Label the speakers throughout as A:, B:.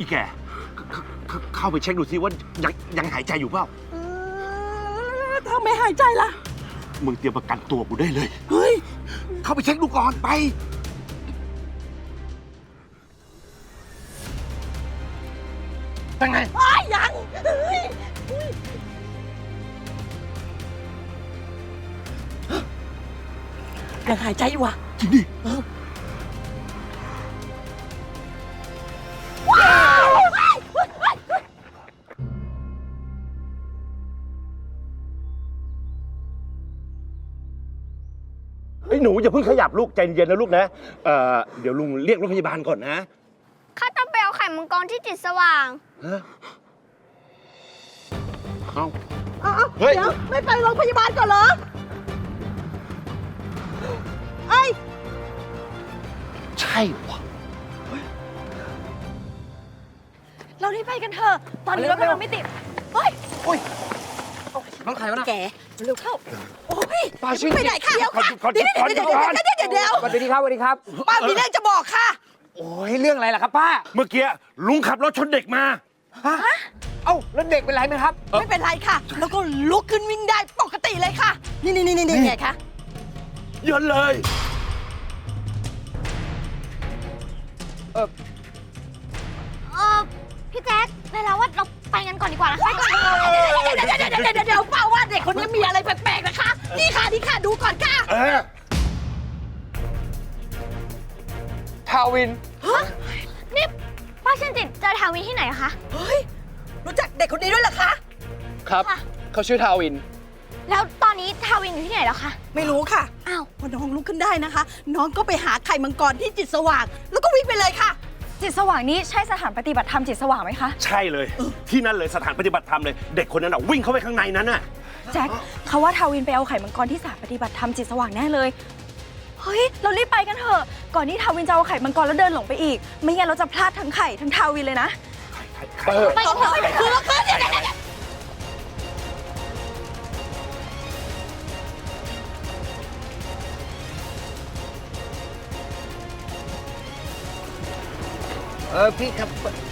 A: อีแกเข้าไปเช็คดูซิว่ายังหายใจอยู่เปล่า
B: ถ้าไม่หายใจล่ะ
A: มึงเตรียมประกันตัวกูได้เลย
B: เฮ้ย
A: เข้าไปเช็คดูก่อนไปเป็นไง
B: ยังเฮ้ยยังหายใจอยู่อ่ะ
A: จริงดิไอ้หนูอย่าเพิ่งขยับลูกใจเย็นนะลูกนะเดี๋ยวลุงเรียกรถพยาบาลก่อนนะ
C: ข้าต้องไปเอาไข่มังกรที่จิตสว่าง
A: ฮะเอ้า
B: เดี๋ยวไม่ไปโรงพยาบาลก่อนเหรอไอ้
A: ใช่วะ
D: เรารีบไปกันเถอะตอนนี้รถเราไม่ติดเฮ้ย
E: น้องใครวะนะ
B: แกเร็วเข้า โอ้ย
E: ป้าชื่อ
B: ไปไหนค่ะเดี๋ยวค่ะ
A: ก่อน
B: เดี๋ยว
A: ก่อน
B: เดี๋ยว
A: ก่อน
B: เดี๋ยว
E: สวัสดีครับสวัสดีครับ
B: ป้ามีเรื่องจะบอกค่ะ
E: โอ้ยเรื่องอะไรล่ะครับป้า
A: เมื่อกี้ลุงขับรถชนเด็กมา
E: ฮะเอ้าแล้วเด็กเป็นไรไหมครับ
B: ไม่เป็นไรค่ะ แล้วก็ลุกขึ้นวิ่งได้ปกติเลยค่ะ นี่ไงคะ
A: เยินเลย
C: พี่แจ๊คได้แล้วว่าเราไปกันก่อนดีกว่านะคะ
B: เดี๋ยวป้าว่าเด็กคนนี้มีอะไรแปลกๆนะคะ นี่ค่ะดูก่อนค่ะ
E: ทาวิน
C: นี่ป้าเชนจิตเจอทาวินที่ไหนอะคะ
B: เฮ้ย รู้จักเด็กคนนี้ด้วยเหรอคะ
E: ครับ
C: ค่ะ
E: เขาชื่อทาวิน
C: แล้วตอนนี้ทาวินอยู่ที่ไหนแล้วคะ
B: ไม่รู้ค่ะ
C: อ้าว
B: พอน้องลุกขึ้นได้นะคะ น้องก็ไปหาไข่มังกรที่จิตสว่าง แล้วก็วิ่งไปเลยค่ะ
D: จิตสว่างนี้ใช่สถานปฏิบัติธรรมจิตสว่างไหมคะ
A: ใช่เลย ที่นั่นเลยสถานปฏิบัติธรรมเลย เด็กคนนั้นวิ่งเข้าไปข้างในนั้นน่ะ
D: แจ็คเขาว่าทาวินไปเอาไข่มังกรที่สถานปฏิบัติธรรมจิตสว่างแน่เลย เฮ้ย เรารีบไปกันเถอะ ก่อนที่ทาวินจะเอาไข่มังกรแล้วเดินหลงไปอีก ไม่งั้นเราจะพลาดทั้งไข่ทั้งทาวินเลยนะ
C: ไปกันเถอะ
E: พี่ครับ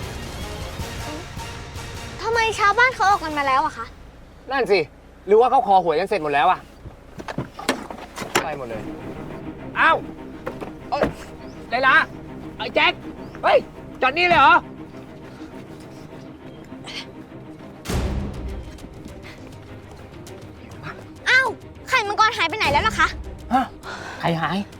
C: ทำไมชาวบ้านเขาออกกันมาแล้วอะคะ
E: นั่นสิ หรือว่าเขาคอหวยกันเสร็จหมดแล้วอะไปหมดเลย อ้าวเอ้ยไลลาไอ้แจ็ค เฮ้ย จอดนี่เลยเหรอ
C: อ้าว ไข่มังกรหายไปไหนแล้วล่ะคะ
E: ฮะ ใครหาย